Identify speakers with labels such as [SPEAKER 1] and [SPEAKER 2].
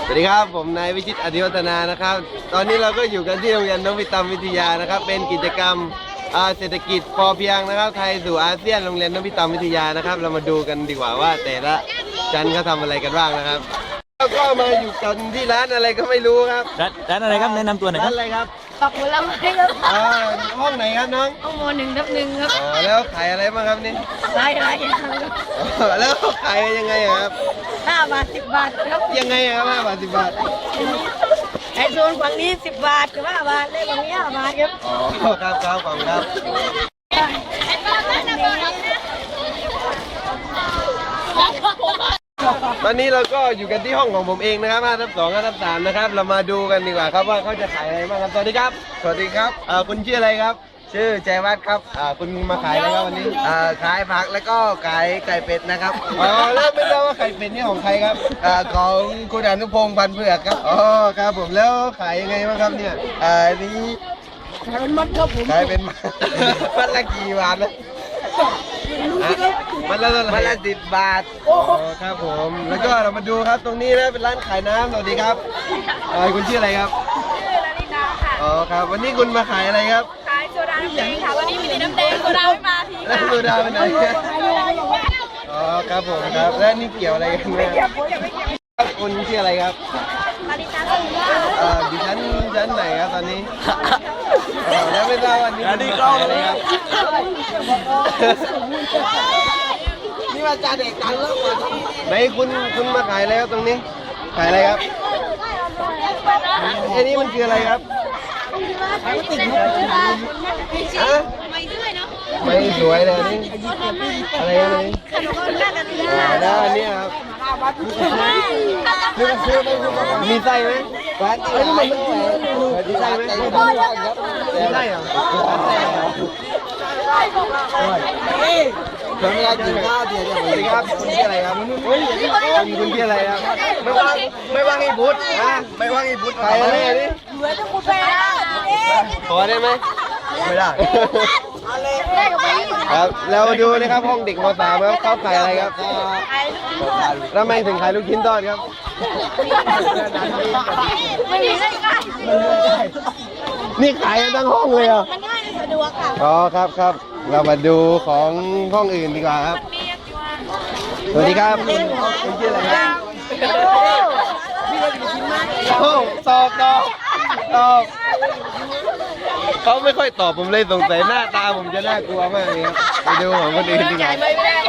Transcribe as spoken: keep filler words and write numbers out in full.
[SPEAKER 1] สวัสดีครับผมนายวิชิตอธิวัฒนานะครับตอนนี้เราก็อยู่กันที่โรงเรียนนพิตามวิทยานะครับเป็นกิจกรรมเศรษฐกิจพอเพียงนะครับไทยสู่อาเซียนโรงเรียนนพิตามวิทยานะครับเรามาดูกันดีกว่าว่าแต่ละชั้นเขาทำอะไรกันบ้างนะครับแล้วก็มาอยู่กันที่ร้านอะไรก็ไม่รู้ครับ
[SPEAKER 2] ร้านร้านอะไรครับแนะนำตัวหน่อยค
[SPEAKER 1] ร้า
[SPEAKER 2] รั
[SPEAKER 1] น
[SPEAKER 2] บ
[SPEAKER 1] อะไรครับ
[SPEAKER 3] ปักผลไม้ครับ
[SPEAKER 1] อ่าห้องไหนครับน้อง
[SPEAKER 3] ห้องโมหนึ่งทับหนึ่งครับ
[SPEAKER 1] อ๋อแล้วขายอะไรบ้างครับนี่
[SPEAKER 3] หลายหลายอย่างครับ
[SPEAKER 1] อ๋อแล้วขายยังไงอะครับ
[SPEAKER 3] ห้าบาทสิบบาทครับ
[SPEAKER 1] ยังไงอะครับห้าบาทสิบบาท
[SPEAKER 3] ไอโซนฝั่งนี้สิบบาทกับห้าบาทเลขฝั่งนี้ห้าบาทครับ
[SPEAKER 1] อ๋อครับครับขอบคุณครับตอนนี้เราก็อยู่กันที่ห้องของผมเองนะครับห้าทับสองห้าทับสามนะครับเรามาดูกันดีกว่าครับว่าเขาจะขายอะไรบ้างครับสวัสดีครับสวัสดีครับเอ่อคุณชื่ออะไรครับชื่อแจวัฒน์ครับอ่าคุณมาขายอะไรครับวันนี้อ่าขายผักแล้วก็ขายไก่เป็ดนะครับอ๋อแล้วไม่ทราบว่าไก่เป็ดนี่ของใครครับอ่าของคุณอนุพงศ์พันธุ์เผือกครับอ๋อครับผมแล้วขายยังไงบ้างครับเนี่ยอ่านี้
[SPEAKER 3] ขายเป็นมัดครับผม
[SPEAKER 1] ขายเป็น มันละกี่บาทนะมันละมันละสิบบาทโอ้ครับผมแล้วก็เรามาดูครับตรงนี้นะเป็นร้านขายน้ำสวัสดีครับเอ่อคุณชื่ออะไรครับ
[SPEAKER 3] ชื่อลาลิดาค่ะ
[SPEAKER 1] อ๋อครับวันนี้คุณมาขายอะไรครับ
[SPEAKER 3] ขายโซดาน้ำแดงค่ะวันนี้มีแต่น้ำแดงโซดาไม่มาที
[SPEAKER 1] แล้ว
[SPEAKER 3] ค่ะ
[SPEAKER 1] โซดาไปไหนอ๋อครับผมครับแล้วนี่เกี่ยวอะไรกันไหมครับครับคุณชื่ออะไรครับ
[SPEAKER 3] ลาลิดาก็ว่า
[SPEAKER 1] เอ่อดิฉันชั้นไหนครับตอนนี้เอ่อแล้วไม่ทราบวันนี้คุณมาขายอะไรครับนี่มาจาเด็กกันแล้วไหนคุณคุณมาขายอะไรครับตรงนี้ขายอะไรครับไอ้นี่มันคืออะไรครับฮะไม่สวยเลยนี่อะไรอะไร
[SPEAKER 3] ขนมหน้ากันเลย
[SPEAKER 1] อ๋อด้านนี้ครับมีไส้ไหมร้านนี้มันมีไส้ไหมมีไส้เหรอผมอยากกินข้าวเดี๋ยวสวัสดีครับคุณชื่ออะไรครับคุณคุณชื่ออะไรครับไม่ว่างไม่ว่างอีพุทธนะไม่ว่างอีพุทธไปอะไรนี่
[SPEAKER 3] เหมือนจะพูดไปแล้ว
[SPEAKER 1] ขอได้ไหมไม่ได้ครับเรามาดูนะครับห้องเด็กม.สามครับเขาขายอะไรครับทำไมถึงขายลูกชิ้นทอดครับ
[SPEAKER 3] ไม่มีได้ง่าย
[SPEAKER 1] นี่ขายกันทั้งห้องเลยเหรอ
[SPEAKER 3] มันง่ายสะดวกค่ะ
[SPEAKER 1] อ๋อครับครับเรามาดูของห้องอื่นดีกว่าครับสวัสดีครับคุณชื่ออะไรครับโอ้ตอบตอบตอบเขาไม่ค่อยตอบผมเลยสงสัยหน้าตาผมจะน่ากลัวมากเลยครับไปดูของคนอื่นดีกว่า